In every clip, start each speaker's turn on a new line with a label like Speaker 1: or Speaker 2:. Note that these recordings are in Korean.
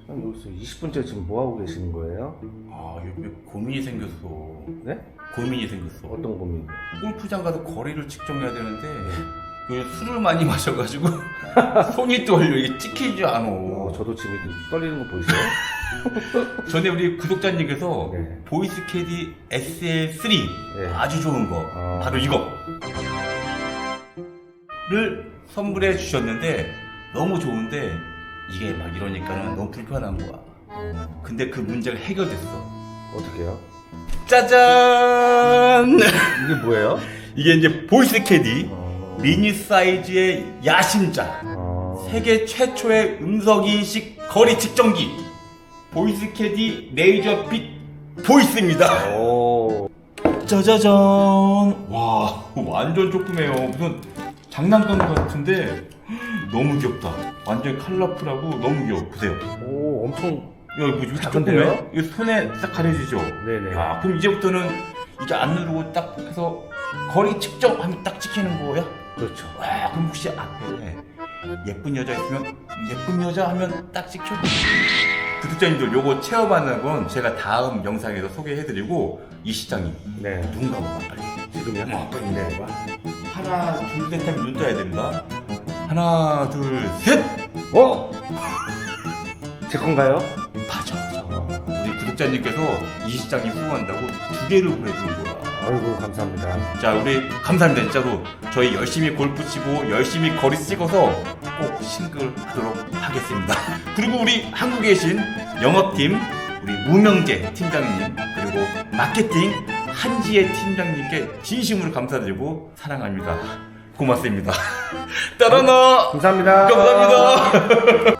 Speaker 1: 여기서 20분째 지금 뭐 하고 계시는 거예요?
Speaker 2: 아, 요즘에 고민이 생겼어.
Speaker 1: 네?
Speaker 2: 고민이 생겼어.
Speaker 1: 어떤 고민이요?
Speaker 2: 골프장 가서 거리를 측정해야 되는데 요즘 술을 많이 마셔가지고 손이 떨려. 이게 찍히지 않아.
Speaker 1: 저도 지금 이렇게 떨리는 거 보이세요?
Speaker 2: 전에 우리 구독자님께서
Speaker 1: 네.
Speaker 2: 보이스 캐디 SL3
Speaker 1: 네.
Speaker 2: 아주 좋은 거 바로 이거를 선물해 주셨는데 너무 좋은데 이게 막 이러니까는 너무 불편한 거야. 근데 그 문제가 해결됐어.
Speaker 1: 어떻게요?
Speaker 2: 짜잔!
Speaker 1: 이게 뭐예요?
Speaker 2: 이게 이제 보이스 캐디 미니 사이즈의 야심작 세계 최초의 음성인식 거리 측정기 보이스 캐디 레이저 빛 보이스입니다.
Speaker 1: 오.
Speaker 2: 짜자잔. 와, 완전 조그매요. 무슨 장난감 같은데 너무 귀엽다. 완전 컬러풀하고 너무 귀여워. 보세요.
Speaker 1: 오, 엄청.
Speaker 2: 야, 이거 이렇게
Speaker 1: 작은데요?
Speaker 2: 조그매? 이거 손에 딱 가려지죠?
Speaker 1: 네네.
Speaker 2: 야, 그럼 이제부터는 이게 안 누르고 딱 해서 거리 측정하면 딱 찍히는 거야?
Speaker 1: 그렇죠.
Speaker 2: 와, 그럼 혹시 앞에 예쁜 여자 있으면 예쁜 여자 하면 딱 찍혀? 구독자님들 요거 체험하는 건 제가 다음 영상에서 소개해드리고 이 시장이
Speaker 1: 네.
Speaker 2: 눈 감아봐 빨리.
Speaker 1: 지금요?
Speaker 2: 빨리 눈 감아봐. 하나 둘 셋 하면 눈 떠야 된다. 하나 둘 셋.
Speaker 1: 어? 제 건가요?
Speaker 2: 맞아. 우리 구독자님께서 이 시장이 후원한다고 2개를 보내주는 거야.
Speaker 1: 아이고, 감사합니다.
Speaker 2: 자, 우리 감사합니다. 진짜로 저희 열심히 골프 치고 열심히 거리 찍어서 꼭 싱글 하도록 하겠습니다. 그리고 우리 한국에 계신 영업팀 우리 무명재 팀장님 그리고 마케팅 한지혜 팀장님께 진심으로 감사드리고 사랑합니다. 고맙습니다. 따라나
Speaker 1: 감사합니다.
Speaker 2: 감사합니다.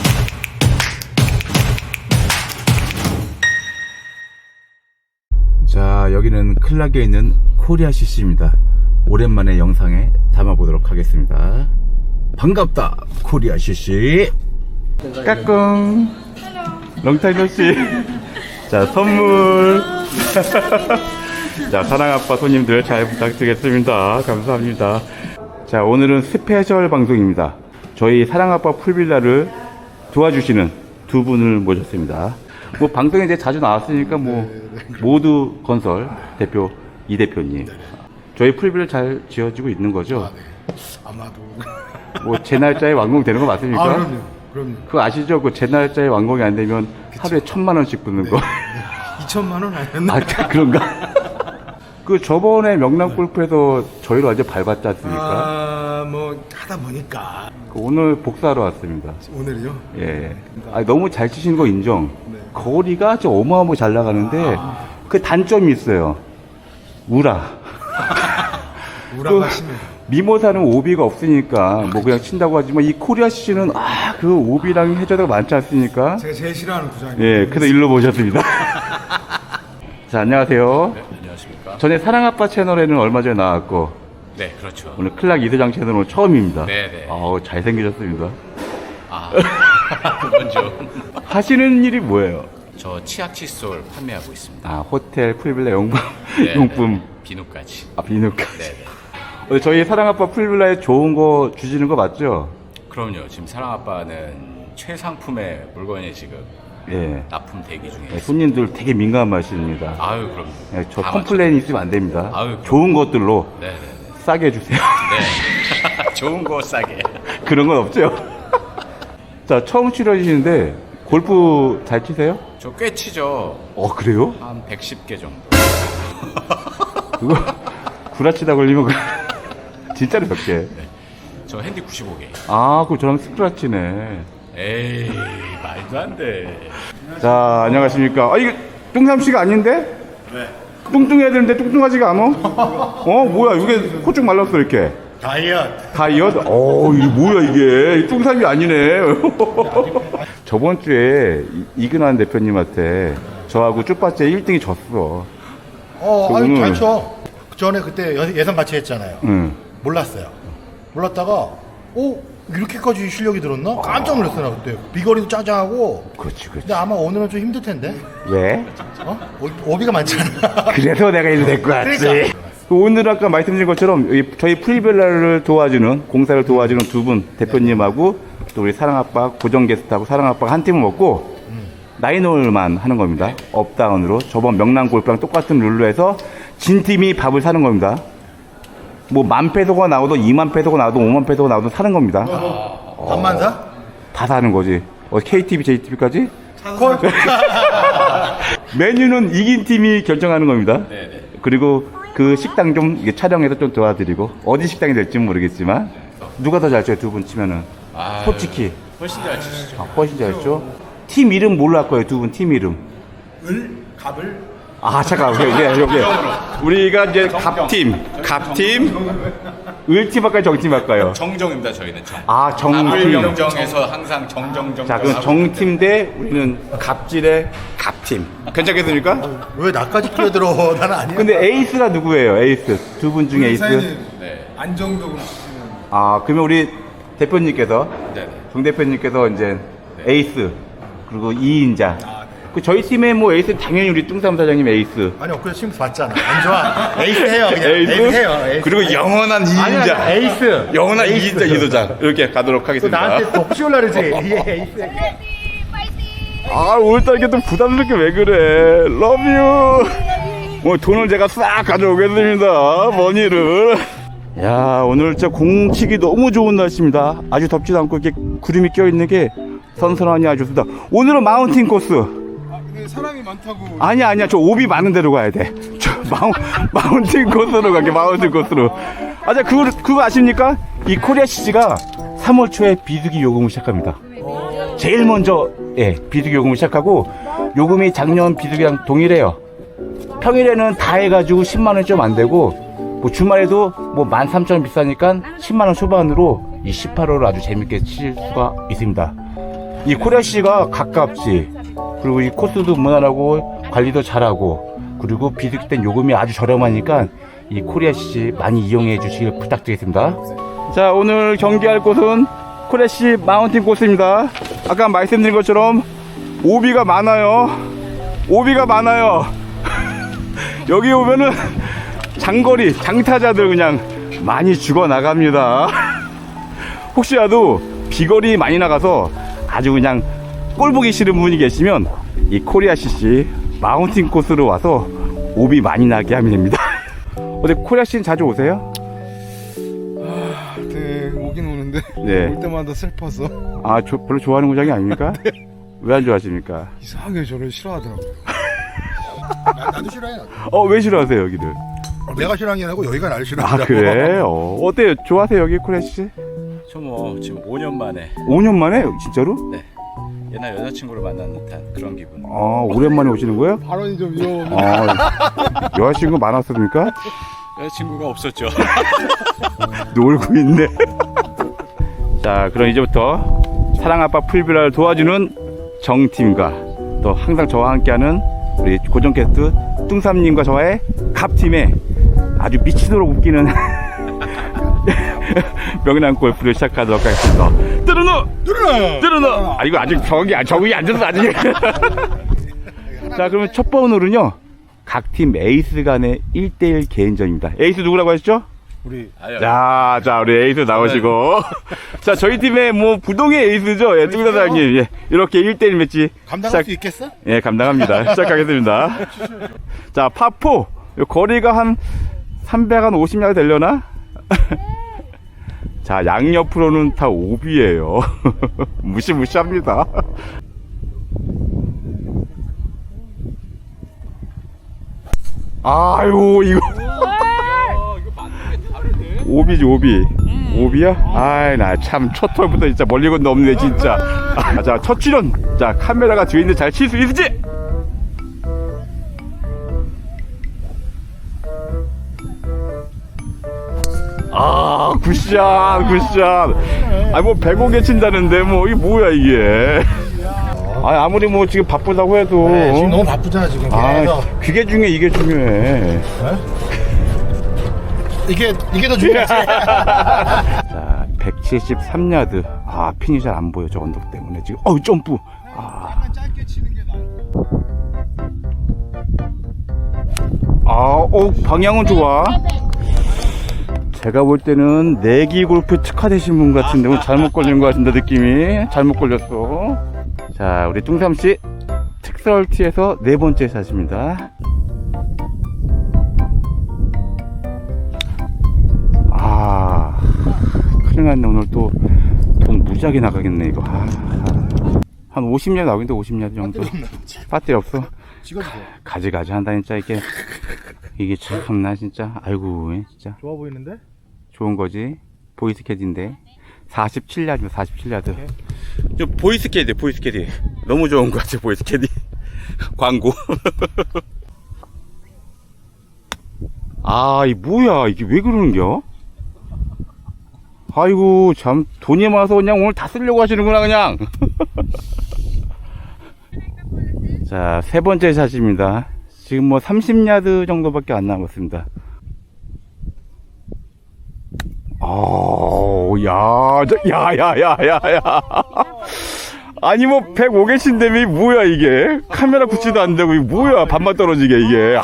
Speaker 2: 자, 여기는 클락에 있는 코리아 CC입니다. 오랜만에 영상에 담아보도록 하겠습니다. 반갑다, 코리아 CC. 까꿍. 롱타임 노씨. 자, 선물. 자, 사랑아빠 손님들 잘 부탁드리겠습니다. 감사합니다. 자, 오늘은 스페셜 방송입니다. 저희 사랑아빠 풀빌라를 도와주시는 두 분을 모셨습니다. 뭐 방송에 이제 자주 나왔으니까 뭐 모두 건설 대표 이 대표님, 저희 풀빌라 잘 지어지고 있는 거죠?
Speaker 3: 아마도.
Speaker 2: 뭐 제 날짜에 완공되는 거 맞습니까?
Speaker 3: 아, 그럼요.
Speaker 2: 그거 아시죠? 그 제 날짜에 완공이 안 되면 하루에 1,000만 원씩 붙는 거.
Speaker 3: 2천만 원 아니었나?
Speaker 2: 아, 그런가? 그 저번에 명랑 골프에서 저희를 완전 밟았지 않습니까?
Speaker 3: 뭐 하다 보니까
Speaker 2: 그 오늘 복사하러 왔습니다.
Speaker 3: 오늘이요?
Speaker 2: 예. 아, 너무 잘 치시는 거 인정.
Speaker 3: 네.
Speaker 2: 거리가 저 어마어마하게 잘 나가는데 그 단점이 있어요. 우라.
Speaker 3: 우라가 심해.
Speaker 2: 미모사는 오비가 없으니까 뭐 그냥 친다고 하지만 이 코리아 CC는 그 오비랑 해저드가 많지 않습니까?
Speaker 3: 제가 제일 싫어하는 구장이에요.
Speaker 2: 예, 그래서 일로 모셨습니다. 자, 안녕하세요.
Speaker 4: 네, 안녕하십니까.
Speaker 2: 전에 사랑아빠 채널에는 얼마 전에 나왔고
Speaker 4: 네, 그렇죠.
Speaker 2: 오늘 클락 이대장 채널은 처음입니다.
Speaker 4: 네네.
Speaker 2: 아우, 잘생기셨습니다.
Speaker 4: 아, 먼저
Speaker 2: 하시는 일이 뭐예요?
Speaker 4: 저 치약 칫솔 판매하고 있습니다.
Speaker 2: 아, 호텔 풀빌라 용품,
Speaker 4: 네,
Speaker 2: 용품,
Speaker 4: 네. 비누까지.
Speaker 2: 아, 비누까지.
Speaker 4: 네네.
Speaker 2: 저희 사랑아빠 풀빌라에 좋은 거 주시는 거 맞죠?
Speaker 4: 그럼요. 지금 사랑아빠는 최상품의 물건이 지금
Speaker 2: 예.
Speaker 4: 납품 대기 중에
Speaker 2: 네,
Speaker 4: 있습니다.
Speaker 2: 손님들 되게 민감하십니다.
Speaker 4: 아유, 그럼요.
Speaker 2: 네, 저
Speaker 4: 다
Speaker 2: 컴플레인 있으면 안 됩니다.
Speaker 4: 아유,
Speaker 2: 좋은 것들로
Speaker 4: 맞춰- 네네네.
Speaker 2: 싸게 해주세요.
Speaker 4: 네. 좋은 거 싸게.
Speaker 2: 그런 건 없죠? 자, 처음 치러지시는데 골프 잘 치세요?
Speaker 4: 저 꽤 치죠.
Speaker 2: 그래요?
Speaker 4: 한 110개 정도.
Speaker 2: 그거 구라치다 걸리면 진짜로 몇 개?
Speaker 4: 저 핸디 95개.
Speaker 2: 아, 그거 저랑 스크라치네.
Speaker 4: 에이, 말도 안 돼.
Speaker 2: 자, 안녕하십니까. 아, 이게 뚱삼씨가 아닌데? 네. 뚱뚱해야 되는데 뚱뚱하지가 않아? 뭐야, 이게 코쭉 말랐어, 이렇게. 다이어트? 이게 뭐야, 이게. 뚱삼이 아니네. 저번 주에 이근환 대표님한테 저하고 쭈빠째 1등이 졌어.
Speaker 5: 아니,
Speaker 2: 그거는-
Speaker 5: 잘 쳐. 전에 그때 예선 같이 했잖아요.
Speaker 2: 응.
Speaker 5: 몰랐어요. 몰랐다가, 이렇게까지 실력이 들었나? 깜짝 놀랐어, 나 그때. 비거리도 짜장하고.
Speaker 2: 그렇지, 그렇지.
Speaker 5: 근데 아마 오늘은 좀 힘들 텐데.
Speaker 2: 왜?
Speaker 5: 오비가 많잖아.
Speaker 2: 그래서 내가 이리 데리고 왔지.
Speaker 5: 그러니까.
Speaker 2: 오늘 아까 말씀드린 것처럼 저희 프리빌라를 도와주는, 공사를 도와주는 두 분 대표님하고 또 우리 사랑아빠 고정 게스트하고 사랑아빠가 한 팀을 먹고
Speaker 6: 9홀만 하는 겁니다. 업다운으로. 저번 명랑 골프랑 똑같은 룰로 해서 진 팀이 밥을 사는 겁니다. 뭐 10,000페소가 나오든 20,000페소가 나오든 50,000페소가 나오든 사는 겁니다.
Speaker 5: 밥만 사?
Speaker 6: 다 사는 거지. KTV, JTB까지?
Speaker 5: 콜?
Speaker 6: 메뉴는 이긴 팀이 결정하는 겁니다.
Speaker 4: 네네.
Speaker 6: 그리고 그 식당 좀 이게 촬영해서 좀 도와드리고 어디 식당이 될지는 모르겠지만 누가 더 잘 쳐요? 두 분 치면은 솔직히
Speaker 4: 훨씬 잘 치시죠.
Speaker 6: 훨씬 잘 쳐. 팀 이름 뭘로 할 거예요? 두 분 팀 이름.
Speaker 3: 갑을
Speaker 6: 잠깐 여기 우리가 이제 갑팀 을팀 할까요? 정팀 할까요?
Speaker 4: 정정입니다. 저희는 정.
Speaker 6: 정팀.
Speaker 4: 정정에서 항상 정정정.
Speaker 6: 자 그럼 정팀 대 우리는 갑질의 갑팀. 괜찮겠습니까?
Speaker 5: 왜 나까지 끼어들어? 나는 아니야.
Speaker 6: 근데 에이스가 누구예요? 에이스 두 분 중에 에이스.
Speaker 4: 네.
Speaker 3: 안정적으로 치시는
Speaker 6: 그러면 우리 대표님께서
Speaker 4: 네네.
Speaker 6: 정 대표님께서 이제 에이스 그리고 2인자. 그 저희 팀의 뭐 에이스 당연히 우리 뚱삼 사장님 에이스.
Speaker 5: 아니 엊그제 심스 봤잖아. 안 좋아. 에이스 해요. 그냥.
Speaker 6: 에이스?
Speaker 5: 해요. 에이스.
Speaker 6: 그리고 영원한 2인자.
Speaker 5: 아니, 에이스.
Speaker 6: 영원한
Speaker 5: 에이스.
Speaker 6: 2인자 이도장 이렇게 가도록
Speaker 5: 또
Speaker 6: 하겠습니다.
Speaker 5: 나한테 독시올라 그러지. 에이스.
Speaker 6: 오늘따라 이렇게 또 부담스럽게 왜 그래? 러브유. 오늘 돈을 제가 싹 가져오겠습니다. 머니를. 야 오늘 진짜 공치기 너무 좋은 날씨입니다. 아주 덥지도 않고 이렇게 구름이 껴있는 게 선선하니 아주 좋습니다. 오늘은 마운틴 코스.
Speaker 3: 근데 사람이 많다고
Speaker 6: 아니야 저 오비 많은 데로 가야 돼. 저 마운틴 코스로 갈게. 마운틴 코스로. 자 그거 아십니까? 이 코리아 CG가 3월 초에 비수기 요금을 시작합니다. 제일 먼저 비수기 요금을 시작하고 요금이 작년 비수기랑 동일해요. 평일에는 다 해가지고 10만원 좀 안 되고 뭐 주말에도 뭐 13,000원 비싸니까 10만원 초반으로 이 18호를 아주 재밌게 칠 수가 있습니다. 이 코리아 CG가 가깝지. 그리고 이 코스도 무난하고 관리도 잘하고 그리고 비수기 땐 요금이 아주 저렴하니까 이 코리아 CG 많이 이용해 주시길 부탁드리겠습니다. 자 오늘 경기할 곳은 코리아 CG 마운틴 코스입니다. 아까 말씀드린 것처럼 오비가 많아요. 여기 오면은 장거리 장타자들 그냥 많이 죽어 나갑니다. 혹시라도 비거리 많이 나가서 아주 그냥 꼴 보기 싫은 분이 계시면 이 코리아 CG 마운틴 코스로 와서 오비 많이 나게 하면 됩니다. 어디 코리아 CG는 자주 오세요?
Speaker 3: 네, 오긴 오는데
Speaker 6: 네.
Speaker 3: 올 때마다 슬퍼서
Speaker 6: 별로 좋아하는 구장이 아닙니까? 왜 안 좋아하십니까?
Speaker 3: 이상하게 저를 싫어하더라고요.
Speaker 5: 나도 싫어해.
Speaker 6: 왜 싫어하세요 여기를?
Speaker 5: 내가 싫어한 게 아니고 여기가 나를 싫어한다고.
Speaker 6: 그래? 어때요? 좋아하세요 여기 코리아 CG?
Speaker 4: 저 뭐 지금 5년 만에
Speaker 6: 5년 만에? 진짜로?
Speaker 4: 네. 옛날 여자친구를 만난 듯한 그런 기분.
Speaker 6: 오랜만에 오시는 거예요?
Speaker 3: 발언이 좀 위험.
Speaker 6: 여자친구 많았습니까?
Speaker 4: 여자친구가 없었죠.
Speaker 6: 놀고 있네. 자, 그럼 이제부터 사랑아빠 풀비라를 도와주는 정팀과 또 항상 저와 함께하는 우리 고정 게스트 뚱삼님과 저와의 갑팀의 아주 미치도록 웃기는 명랑 골프를 시작하도록 하겠습니다. 뜨르노! 이거 아직 적응이 안 돼서 아직. 자, 그러면 첫 번호는요. 각 팀 에이스 간의 1대1 개인전입니다. 에이스 누구라고 하셨죠?
Speaker 5: 우리
Speaker 6: 자, 우리 에이스 나오시고. 자, 저희 팀의 뭐 부동의 에이스죠. 예, 뚱 사장님. 예, 이렇게 1대1 매치.
Speaker 5: 감당할 수 있겠어?
Speaker 6: 예, 감당합니다. 시작하겠습니다. 자, 파4. 거리가 한 350야드 되려나? 자, 양옆으로는 다 오비예요. 무시무시합니다. 아유, 이거. 오비지, 오비. 오비야? 나 참, 첫 털부터 진짜 멀리 건너 없네, 진짜. 자, 첫 출연. 자, 카메라가 뒤에 있는데 잘 칠 수 있을지? 굿샷. 뭐 105개 친다는데, 뭐, 이게 뭐야, 이게. 아무리 뭐 지금 바쁘다고 해도.
Speaker 5: 네, 지금 너무 바쁘잖아, 지금.
Speaker 6: 그게 중요해, 이게 중요해.
Speaker 5: 이게 더 중요하지.
Speaker 6: 자, 173야드. 핀이 잘 안 보여, 저 언덕 때문에. 지금, 점프.
Speaker 3: 짧게 치는 게
Speaker 6: 방향은 좋아. 제가 볼 때는 내기 골프 특화되신 분 같은데 오늘 잘못 걸린 것 같은데 느낌이 잘못 걸렸어. 자 우리 뚱삼씨 엑스럴티에서 네 번째 샷입니다. 아, 큰일 났네. 오늘 또 돈 무지하게 나가겠네 이거. 한 50야드 나오겠는데 50야드 정도. 배터리 없어.
Speaker 5: 찍어주세요.
Speaker 6: 가지가지 한다 진짜. 이게 참나 진짜. 아이고 진짜
Speaker 5: 좋아 보이는데?
Speaker 6: 좋은 거지. 보이스 캐디인데 47야드 47야드. 저 보이스 캐디 너무 좋은 거 같아. 보이스 캐디 광고. 아, 이 뭐야 이게 왜 그러는겨? 아이고 참 돈이 많아서 그냥 오늘 다 쓰려고 하시는구나 그냥. 자, 세 번째 샷입니다. 지금 뭐 30야드 정도밖에 안 남았습니다. 야야야야야. 아니 뭐 105개신데미 뭐야 이게? 카메라 붙이도 안 되고 이게 뭐야? 반만 떨어지게 이게.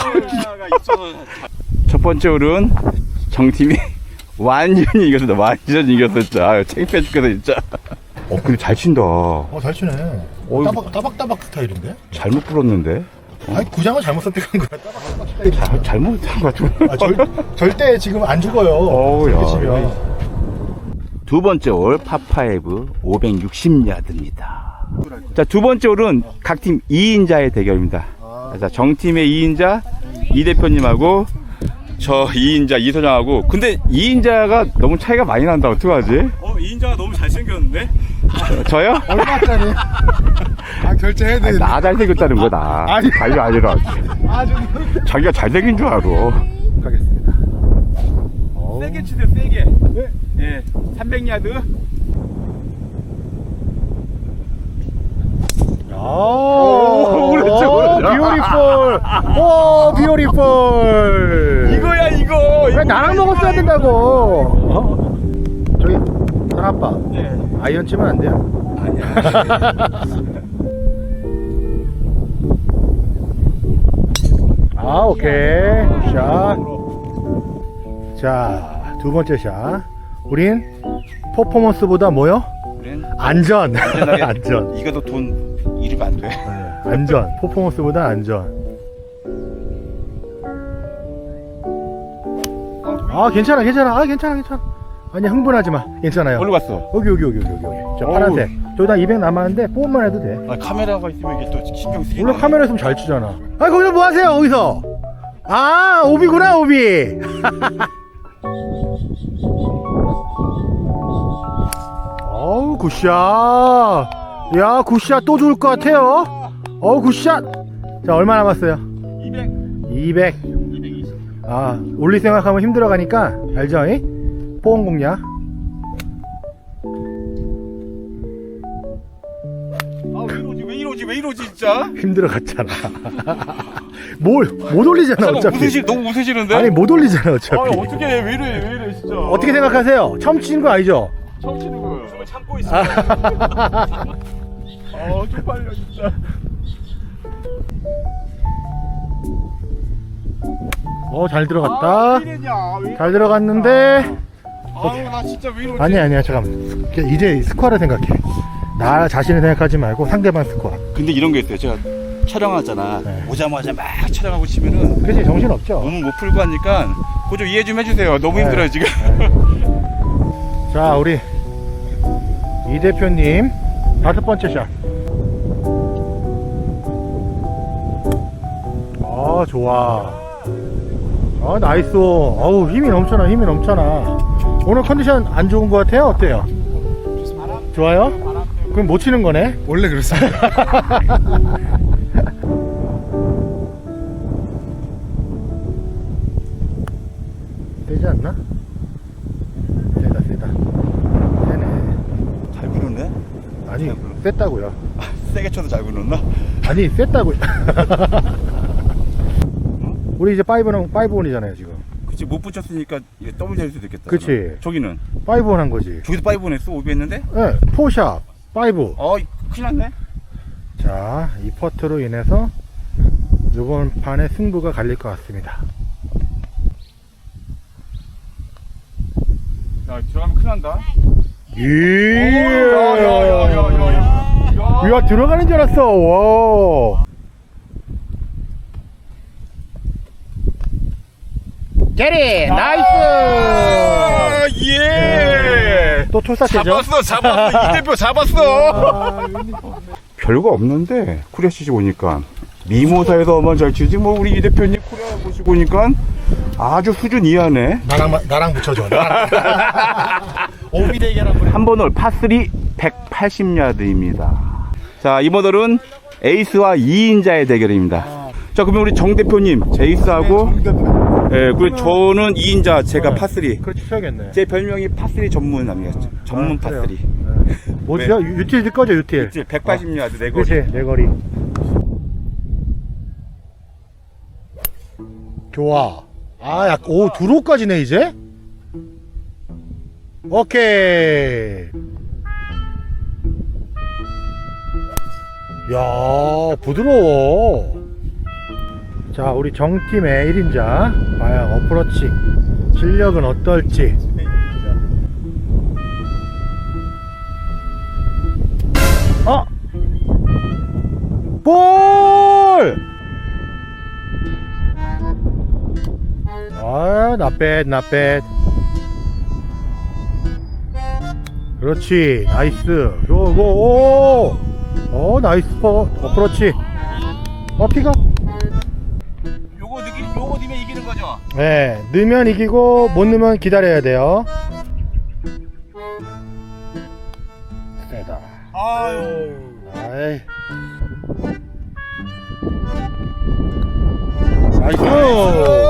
Speaker 6: 첫 번째 홀은 정팀이 완전히 이겼습니다. 완전히 이겼어 진짜. 아유, 창피해 죽겠어 진짜. 근데 잘 친다.
Speaker 5: 잘 치네. 따박따박 스타일인데?
Speaker 6: 잘못 불었는데.
Speaker 5: 아니 구장을 잘못 선택한 거야. 따박따박 스타일.
Speaker 6: 잘못한 것 같아.
Speaker 5: 절대 지금 안 죽어요. 이렇게 치면.
Speaker 6: 두 번째 홀 파5 560야드입니다. 자, 두 번째 홀은 각 팀 2인자의 대결입니다. 자, 정팀의 2인자 이 대표님하고 저 2인자 이소장하고. 근데 2인자가 너무 차이가 많이 난다. 어떡하지?
Speaker 4: 2인자가 너무 잘생겼는데?
Speaker 6: 저요?
Speaker 3: 얼마짜리? 결제해야 돼.
Speaker 6: 나 잘생겼다는 거다. 자기가 아니라 자기가 잘생긴 줄 알아.
Speaker 5: 가겠습니다.
Speaker 6: 세게 치세요, 세게. 네, 300야드. 오른쪽.
Speaker 5: 비오리폴. 오, 비오리폴.
Speaker 6: 이거야, 이거.
Speaker 5: 왜 나랑 먹었어야 된다고. 저기, 사랑아빠.
Speaker 6: 네.
Speaker 5: 아이언 치면 안 돼요?
Speaker 6: 아니야.
Speaker 5: 오케이. 샷. 자, 두 번째 샷. 우린 퍼포먼스보다 뭐요? 안전. 안전.
Speaker 6: 이거도 돈 잃으면 안 돼.
Speaker 5: 안전. 퍼포먼스보다 안전. 괜찮아. 괜찮아. 아니, 흥분하지 마. 괜찮아요.
Speaker 6: 어디로 갔어?
Speaker 5: 여기. 저 파란색. 저기다 200 남았는데 뽑으면 해도 돼.
Speaker 6: 카메라가 있으면 이게 또 신경 쓰이네.
Speaker 5: 원래 카메라 있으면 잘 치잖아. 거기서 뭐 하세요, 거기서? 오비구나, 오비. 어우, 굿샷. 야, 굿샷 또 좋을 것 같아요. 굿샷. 자, 얼마 남았어요? 200. 올릴 생각하면 힘들어가니까, 알죠? 포옹 공략.
Speaker 6: 왜 이러지 진짜?
Speaker 5: 힘들어갔잖아. 못 올리잖아, 어차피.
Speaker 6: 너무 웃으시는데?
Speaker 5: 아니, 못 올리잖아, 어차피.
Speaker 6: 어떻게 해? 왜 이래 진짜.
Speaker 5: 어떻게 생각하세요? 처음 치는 거 아니죠?
Speaker 6: 처음 치는 거예요. 숨을 참고 있어. 쪽팔려 진짜.
Speaker 5: 잘 들어갔다. 잘 들어갔는데.
Speaker 6: 나 진짜 왜 이러지?
Speaker 5: 아니야, 잠깐만. 이제 스코어를 생각해. 나 자신을 생각하지 말고 상대방 스코어.
Speaker 6: 근데 이런 게 있어요. 제가 촬영하잖아.
Speaker 5: 네.
Speaker 6: 오자마자 막 촬영하고 치면은
Speaker 5: 그치, 정신없죠?
Speaker 6: 너무 못 풀고 하니까 그거 좀 이해 좀 해주세요. 너무
Speaker 5: 네.
Speaker 6: 힘들어요 지금.
Speaker 5: 자, 우리 이 대표님 다섯 번째 샷. 좋아. 나이스. 힘이 넘쳐나. 오늘 컨디션 안 좋은 것 같아요? 어때요? 좋아요? 그럼 못 치는 거네?
Speaker 3: 원래 그렇습니다.
Speaker 5: 되지 않나? 세다. 세네.
Speaker 6: 잘 부르네.
Speaker 5: 아니, 셌다고요.
Speaker 6: 세게 쳐도 잘 부르나?
Speaker 5: 아니, 셌다고요. 우리 이제 5원이잖아요, 지금.
Speaker 6: 그치, 못 붙였으니까 이게 더블 될 수도 있겠다.
Speaker 5: 그치.
Speaker 6: 그러면. 저기는
Speaker 5: 5원 한 거지.
Speaker 6: 저기도 5원 했어. 5비 했는데?
Speaker 5: 네, 4샷, 5.
Speaker 6: 큰일 났네.
Speaker 5: 자, 이 퍼트로 인해서 이번 판의 승부가 갈릴 것 같습니다.
Speaker 6: 야, 들어가면 큰일 난다.
Speaker 5: 이야, 들어가는 줄 알았어. 와. 게리 나이스.
Speaker 6: 예.
Speaker 5: 또 출사체죠.
Speaker 6: 잡았어. 이 대표 잡았어. 별거 없는데 코리아 시즌 오니까 미모사에서만 잘 치지 뭐 우리 이 대표님 코리아 보시고 오니까 아주 수준 이하네.
Speaker 5: 나랑 붙여줘. 오비 대결 한번.
Speaker 6: 한 번 홀 파3 180야드입니다. 자, 이번 홀은 에이스와 2인자의 대결입니다. 자, 그러면 우리 정 대표님 제이스하고 예, 그리고 저는 2인자 제가 파3.
Speaker 5: 그렇지 쳐야겠네.
Speaker 6: 제 별명이 파3 전문남이었죠. 전문
Speaker 5: 그래요.
Speaker 6: 파3.
Speaker 5: 뭐지요? 유틸 꺼져 유틸.
Speaker 6: 180야드 내 거리.
Speaker 5: 그렇지 내 거리. 좋아. 아, 오 드로우까지네 이제. 오케이. 야 부드러워. 자 우리 정팀의 1인자 과연 어프로치 실력은 어떨지. 볼! 아, not 그렇지, 나이스. 오, 나이스 어프로치. 피가?
Speaker 6: 요거 넣으면 이기는 거죠?
Speaker 5: 네, 넣으면 이기고, 못 넣으면 기다려야 돼요. 세다.
Speaker 6: 아유.
Speaker 5: 아이. 나이스!